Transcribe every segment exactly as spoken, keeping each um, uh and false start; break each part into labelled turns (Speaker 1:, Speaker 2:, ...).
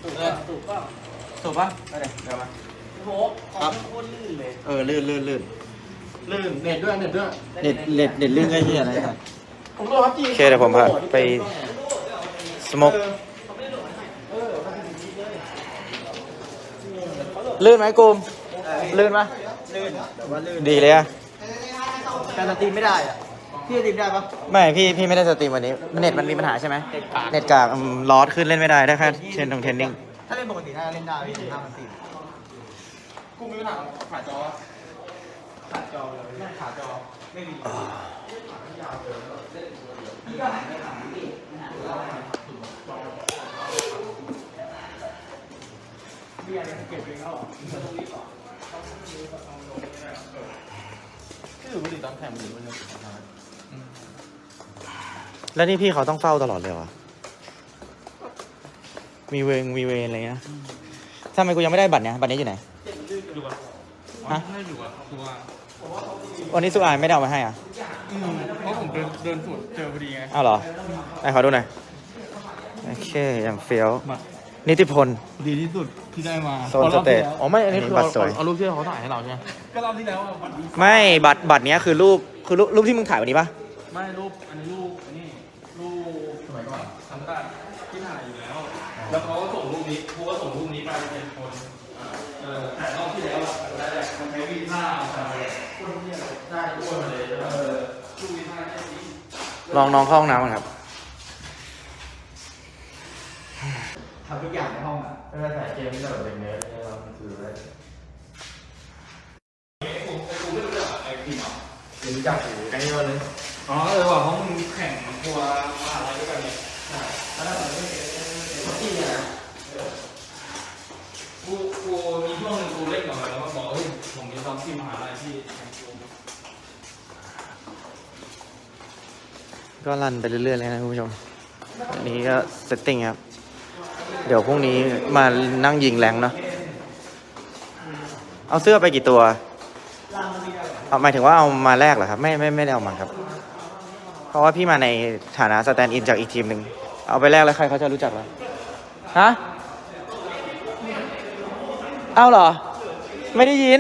Speaker 1: สูบป่ะสูบป่ะสูบป่ะอะไรเดี๋ยวมาโหครับโคตรลื่นเลยเออลื่นลื่นลื่นลื่นเน็ตด้วยเน็ตด้วยเน็ตเน็ตเน็ตลื่นก็เหี้ยอะไรครับผมรู้ครับจีโอเคเดี๋ยวผมพาไปสโมกลื่นไหมกูมลื่นไหมลื่นแต่ว่าลื่นดีเลยอะการสตรีมไม่ได้อะพี่สตรีมได้ปะไม่พี่พี่ไม่ได้สตรีมวันนี้เน็ตมันมีปัญหาใช่ไหมเน็ตกากลอสขึ้นเล่นไม่ได้ได้แค่เทรนตรงเทรนนิ่งถ้าเล่นปกติถ้าเล่นได้พี่ถึงห้าพันสี่กูมีปัญหาขาจอขาจอเลยขาจอไม่มีเบียร์เก็บเองแล้วหรอตรงนี้ต่อที่อยู่บุรีตอนแข่งบุรีมันแล้วนี่พี่เขาต้องเฝ้าตลอดเลยวะมีเวงมีเวรอะไรเงี้ยทำไมกูยังไม่ได้บัตรเนี่ยบัตรนี้อยู่ไหนอยู่อ่ะฮะไม่อยู่อ่ะคือว่าวันนี้สุอายไม่ได้เอามาให้อ่ะอืมเพราะผมเดินเดินสวนเจอพอดีไงอ้าวเหรอไหนขอดูหน่อยโอเคอย่างเฟี้ยวนิติพลดีที่สุดที่ได้มาโซนสเตทอ๋อไม่อันนี้คือเอารูปที่เขาถ่ายให้เราใช่ไหมก็รอบที่แล้วไม่บัตรบัตรเนี้ยคือรูปคือรูปที่มึงถ่ายวันนี้ปะไม่รูปอันนี้รูปอันนี้รูปสมัยก่อนทำได้ที่ถ่ายอยู่แล้วแล้วเขาก็ส่งรูปนี้เขาก็ส่งรูปนี้ไปเป็นคนเออแต่รอบที่แล้วได้มันใช้วีซ่าอะไรคนที่ได้อ้วนมาเลยเออรูปวีซ่าได้ดีลองน้องเข้าห้องน้ำก่อนครับทำทุกอย่างในห้องอ่ะถ้าถ่ายเกมนี่ก็แบบเป็นเนื้อเนี่ยเราคืออะไรกูกูไม่รู้จักไอ้พี่หมอรู้จักกูไกลเยอะเลยอ๋อเออว่าห้องแข่งครัวมหาลัยด้วยกันเนี่ยใช่แล้วเราไม่เก่งที่เนี่ยกูกูมีช่วงนึงกูเล่นกับมันแล้วก็บอกเฮ้ยผมมีซ้อมที่มหาลัยที่ก็รันไปเรื่อยๆเลยนะคุณผู้ชมอันนี้ก็เซตติ้งครับเดี๋ยวพรุ่งนี้มานั่งยิงแรงเนาะเอาเสื้อไปกี่ตัวเอาหมายถึงว่าเอามาแลกเหรอครับไม่ไม่ไม่ได้เอามาครับเพราะว่าพี่มาในฐานะสแตนด์อินจากอีกทีมหนึ่งเอาไปแลกแล้วใครเขาจะรู้จักเราฮะเอาเหรอไม่ได้ยิน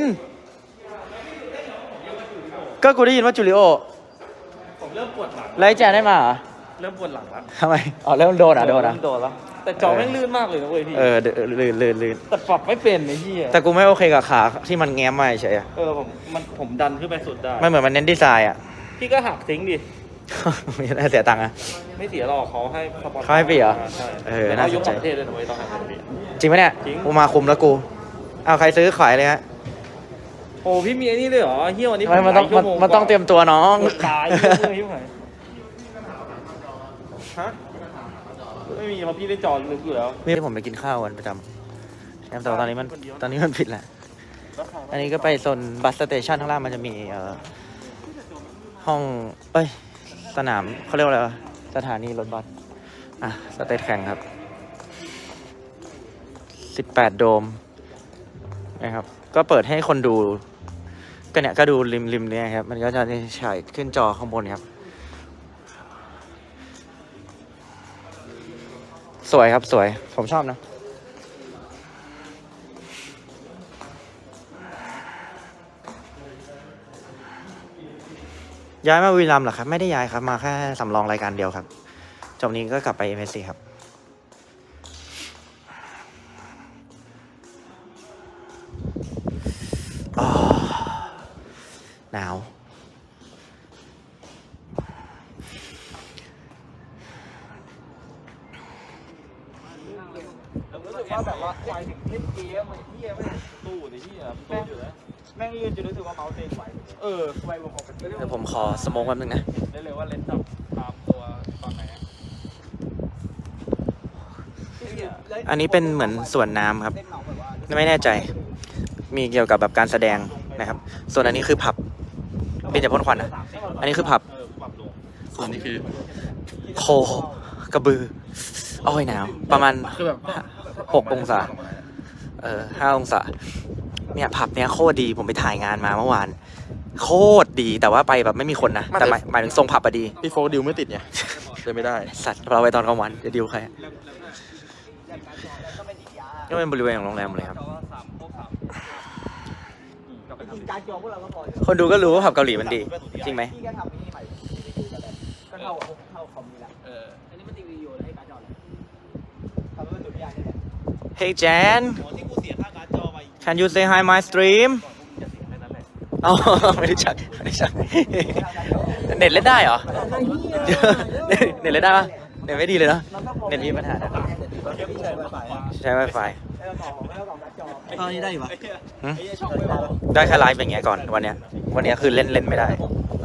Speaker 1: ก็กูได้ยินว่าจูริโอผมเริ่มปวดหลังแล้วแจนได้มาเหรอเริ่มปวดหลังแล้วทำไมอ๋อเริ่มโดนอ่ะโดนอ่ะโดนแล้วแต่จอแม่งลื่นมากเลยนะเว้ยพี่เออลื่นลื่นลื่นแต่ปรับไม่เป็นไอ้ที่แต่กูไม่โอเคกับขาที่มันแง้มมาเฉยเออผมมันผมดันขึ้นไปสุดได้ไม่เหมือนมันเน้นดีไซน์อ่ะพี่ก็หักทิ้งดิไม่ได้เสียตังค์อ่ะไม่เสียหรอกเขาให้สปอนเซอร์เขาให้ปีเหรอใช่เออน่าสนใจจริงไหมเนี่ยกูมาคุมแล้วกูเอาใครซื้อขายเลยฮะโอ้พี่มีไอ้นี่เลยเหรอเฮียวันนี้มันต้องมันต้องเตรียมตัวน้องตายเลยพี่ไหนฮะไม่มีเพราะพี่ได้จอดลึกอยู่แล้วนี่ผมไปกินข้าวกันประจำแต่ตอนนี้มันตอนนี้มันผิดแหละอันนี้ก็ไปโซนบัสสเตชันข้างล่างมันจะมีเอ่อห้องเอ้ยสนามเขาเรียกว่าอะไรสถานีรถบัสอ่ะสเตทแข่งครับสิบแปดโดมนะครับก็เปิดให้คนดูก็เนี่ยก็ดูริมริมเนี่ยครับมันก็จะฉายขึ้นจอข้างบนครับสวยครับสวยผมชอบนะย้ายมาบุรีรัมย์เหรอครับไม่ได้ย้ายครับมาแค่สำรองรายการเดียวครับจบนี้ก็กลับไป เอ็ม เอส ซี ครับหนาวรู้สึกว่าแบบว่าไฟถึงเล่นเกมมันเที่ยไม่ตู้ดิที่อ่ะตู้อยู่แล้วแม่งลื่นจนรู้สึกว่าเมาส์เต็งไหวเออไวลงออกไปเดี๋ยวผมขอสโมกแป๊บนึงนะได้เลยว่าเลนส์จับตามตัวตอนไหนอันนี้เป็นเหมือนสวนน้ำครับไม่แน่ใจมีเกี่ยวกับแบบการแสดงนะครับส่วนอันนี้คือผับเป็นจะพ่นควันอ่ะอันนี้คือผับส่วนนี้คือโคกระบืออ้อยหนาวประมาณหกองศาเออห้าองศาเนี่ยผับเนี้ยโคตรดีผมไปถ่ายงานมาเมื่อวานโคตรดีแต่ว่าไปแบบไม่มีคนนะแต่หมายถึงทรงผับอะดีพี่โฟดิวไม่ติดไงเลยไม่ได้สัตว์เราไปตอนกลางวันจะดิวใครก็เป็นบริเวณของโรงแรมเลยครับคนดูก็รู้ว่าผับเกาหลีมันดีจริงไหม
Speaker 2: พี่ก็ทำนี่ใหม่ก็เท่าเท่าคอมนี่แหละเอออันนี้มันทีวีอยู่ให้การ์ดจอเลยทำเป็นตัวอย่างนี่แหละ
Speaker 1: Hey Jan Can you say hi my stream อ๋อไม่ได้ชักไม่ได้ชักเน็ตเล่นได้เหรอเน็ตเล่นได้ปะเน็ตไม่ดีเลยเนาะเน็ตมีปัญหาใช้ Wi-Fi
Speaker 2: ตอนนี้ได้อยู่ปะ
Speaker 1: ได้แค่ไลฟ์อย่างเงี้ยก่อนวันเนี้ยวันเนี้ยคือเล่นเล่นไม่ได้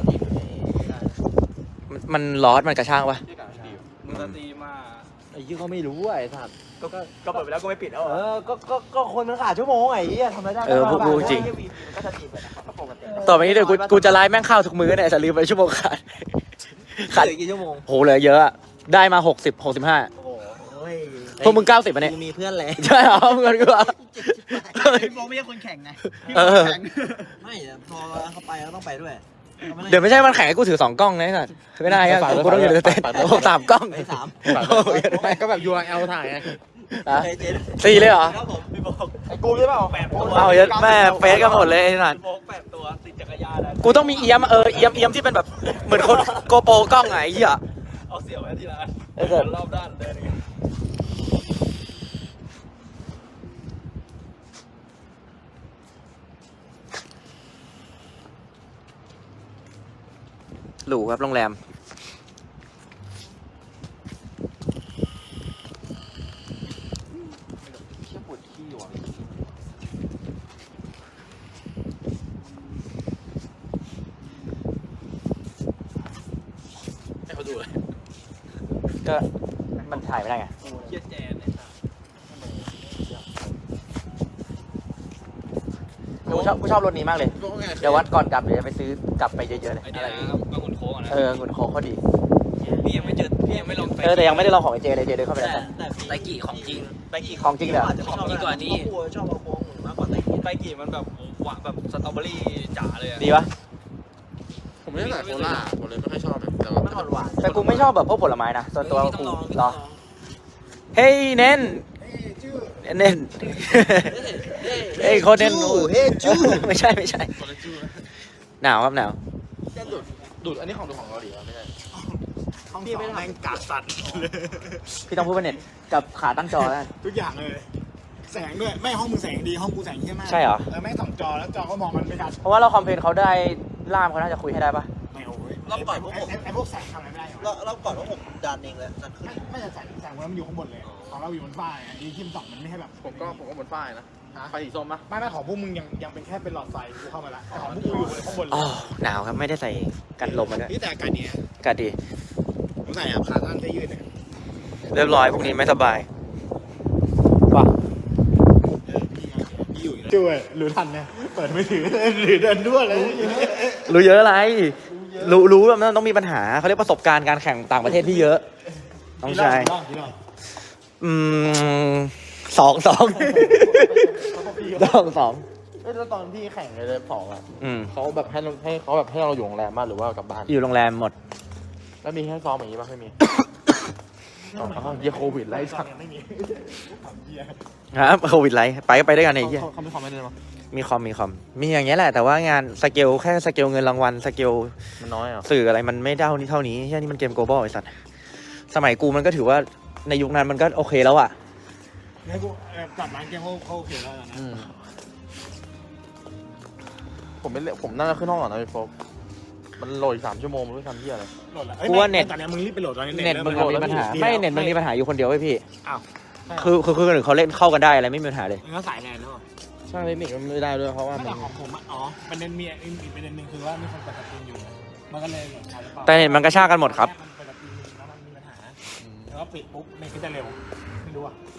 Speaker 1: มันร้อนมันกระช่างปะ
Speaker 2: มึงสตรีมา
Speaker 3: ไอ้ยี่เขาไม่รู้ไอ้สัตว์
Speaker 2: ก็ก็เปิดไปแล้วก็ไม่ปิดแล้วเออก็ก็ก็คนมันขาดชั่วโมงไอ้เหี้ยทำอะไรได้
Speaker 1: เออพูดจริง
Speaker 2: ก็จะตีไปนะครับปกติ
Speaker 1: ต่อไปนี้เดี๋ยวกูกูจะไลฟ์แม่งเข้าทุกมื้อเนี่ยจะลืมไปชั่วโมงขาด
Speaker 2: ขาดอีกกี่ชั่วโมง
Speaker 1: โหเหลือเยอะได้มาหกสิบหกสิบห้า
Speaker 2: โอ้ย
Speaker 1: พวกมึงเก้าสิบป่ะเนี่ย
Speaker 2: มีเพื่อนเลย
Speaker 1: ใช่เหรอเงินกูอ่ะ
Speaker 2: พี่โบไม่ใช่คนแข่งไง
Speaker 1: เออ
Speaker 2: ไม่พอเขาไปก็ต้องไปด้วย
Speaker 1: เดี๋ยวไม่ใช่มันแข่งให้กูถือสองกล้องนะไอ้สัสไม่ได้ครับกูต้องอยู่ในเต็นท์โอ้สามกล้อง
Speaker 2: ไปสาม
Speaker 3: ไม่ก็แบบ ยู อาร์ แอล ถ่ายไง
Speaker 1: อ่ะสี่เลยเหรอ
Speaker 2: ครับผมพี่โบ
Speaker 3: ไอ้กูใช่เปล่า
Speaker 2: แปดตัว
Speaker 1: เอาเยอะแม่เฟซกันหมดเลยไอ้สัส
Speaker 2: พี่โบแปดตัวติดจักรยานนะ
Speaker 1: กูต้องมีเอียมเออเอียมเอียมที่เป็นแบบเหมือนคนโกโปรกล้องไงไอ้เหี้ย
Speaker 2: เอาเสี่ยวไว้ที่ร้าน
Speaker 1: ไอ้สัส
Speaker 2: รอบด้านเดินอย่างเงี้ย
Speaker 1: หรูครับโรงแรมให้เขาดูเลยก็มันถ่ายไม่ได้ไง
Speaker 2: เกียร์แจนเนี่ย
Speaker 1: กูชอบกูชอบรถนี้มากเลยเดี๋ยววัดก่อนกลับเดี๋ยวจะไปซื้อกลับไปเยอะๆเลย
Speaker 2: ไอ้นี่นะบางขุนโค้งนะ
Speaker 1: เออหุ่นโค้งเขาดี
Speaker 2: พี่ยังไม่เจอพี่ยังไม่ลอง
Speaker 1: เออแต่ยังไม่ได้ลองของไอเจเลยเจเดินเข้าไปแล้วแต่
Speaker 2: ไตกี่ของจริงไตกี่
Speaker 1: ของจริงเหรอ
Speaker 2: ของจริงกว่านี้ชอบเอาโค้งมากกว่าไตกี่ไตกี่มันแบบหวานแบบสตรอเบอรี่จ๋าเลย
Speaker 1: ดีปะ
Speaker 3: ผมไม่ได้ใส่โคล่าผมเลยไม่ค่อยชอบแบบแต่ว่า
Speaker 2: มันหวาน
Speaker 1: แต่กูไม่ชอบแบบพวกผลไม้นะส่วนตัวกูเหรอเฮ้ยเน้นเน้นเฮ้ยโคตรเน้น
Speaker 2: เฮ้จู
Speaker 1: ไม่ใช่ไม่ใช่หนาวครับหนาว
Speaker 3: ดูดดูดอันนี้ของดูของเกาหลีไม่ใช่
Speaker 2: พี่ไม่ได้แม่งกาสัตว์
Speaker 1: พี่ต้องพูดว่าเน็ตกับขาตั้งจอแล้ว
Speaker 4: ทุกอย่างเลย แสงด้วย ไม่ห้องมึงแสงดี ห้องกูแสงเยี่ยมาก
Speaker 1: ใช่เหรอ
Speaker 4: เออแม่งสองจอแล้วจอก็มองมันไม่ชัด
Speaker 1: เพราะว่าเราคอมเพลนเขาได้ล่ามเขาน่าจะคุยให้ได้ปะ
Speaker 4: ไม่โอ้ย
Speaker 2: รอบก่อนพวกผม
Speaker 4: ไอ้ไอ้พวกแสงทำอะไรไม่ได้หรอ
Speaker 2: รอบรอบก่อนพวกผมดันเองเลยดันขึ้น
Speaker 4: ไม่ไม่แต่แสงแสงมันอยู่ข้างบนเลยของเราอยู่บนฝ้าไงไอ้ที่มันส่องมันไม่ให้แบบ
Speaker 3: ผมก็ผมก็บนป้ายนะไฟสีส้มปะ
Speaker 4: ไม่ไม่ของพวกมึงยังยังเป็นแค่เป็นหลอดไฟกูเข้ามาละแต่ของพวกกูอยู่บนข้างบนเล
Speaker 1: อ๋อย หนาวครับไม่ได้ใส่กันลมมาด้วย
Speaker 4: นี่แต่อากาศเนี้ย
Speaker 1: อากาศดี
Speaker 4: ผมใส่อะขาสั้นเสื้อยืดเนี่ย
Speaker 1: เรียบร้อยพวกนี้ไม่สบายว่ะ
Speaker 4: พี่อยู่ช่วยรู้ทันเนี่ยเปิดมือถือหรือเดินด้วยเลย
Speaker 1: รู้เยอะอะไร รู้รู้ว่ามันต้องมีปัญหาเขาเรียกประสบการณ์การแข่งต่างประเทศที่เยอะน้องชาย อืมสองสองสองสอง
Speaker 3: เอ้ยแล้วตอนที่แข่งเลยสองอ่ะ
Speaker 1: อืม
Speaker 3: เขาแบบให้เราให้เขาแบบให้เราอยู่โรงแรมบ้างหรือว่ากลับบ้าน
Speaker 1: อยู่โรงแรมหมด
Speaker 3: แล้วมีให้ซ้อมอย่างนี้ป่ะไม่มีอ๋อเยี่ยโควิดไล่สัก
Speaker 4: ไม่มี
Speaker 1: ครับโควิดไรไปก็ไปด้วยกันไอ้เหี้ย
Speaker 3: เขาเขาไม่คอมเมนต์เลยมั้ย
Speaker 1: มีคอมมีคอมมีอย่างเงี้ยแหละแต่ว่างานสเกลแค่สเกลเงินรางวัลสเกล
Speaker 3: มันน้อยอ่ะ
Speaker 1: สื่ออะไรมันไม่เท่านี้เท่านี้ใช่นี่มันเกม global ไอ้สัตว์สมัยกูมันก็ถือว่าในยุคนั้นมันก็โอเคแล้วอะ
Speaker 4: ให้กูจัดร้านเกมเขาเขาโอเคแล้วนะ
Speaker 3: อืมผมไม่เล่นผมน่าจะขึ้นห้องก่อนนะพี่โฟกมันโหลดอีกสามชั่วโมงมันไม่ทำเหี้ยอะไร
Speaker 4: โหลดแล้วตอนนี้มึงรีบไปโหลดตอนนี้
Speaker 1: เน็ตมึงมีปัญหาไม่เน็ตมึงมีปัญหาอยู่คนเดียวไว้พี่
Speaker 4: อ้าว
Speaker 1: คือคือคือคนอื่นเขาเล่นเข้ากันได้อะไรไม่มีปัญหาเลย
Speaker 4: มึงก็สายแลนด์แล้ว
Speaker 3: ช่างเทคนิคมันไม่ได้ด้วยเพราะว่า
Speaker 4: ไม่
Speaker 3: มัน
Speaker 4: แต่ของผมอ๋อประเด็นมีอีกประเด็นหนึ่งคือว่ามีคนเปิดสตรีมอยู่มันก็เลยแบบใช้หรือเปล่า
Speaker 1: แต่เน็ตมันกระชากกันหมดครับ
Speaker 4: มันเปิดสตรีมแล้วมันมีปัญหาแล้วก็ปิดปุ๊บเน็ตก็จะเร็วไม่รู้อ่ะ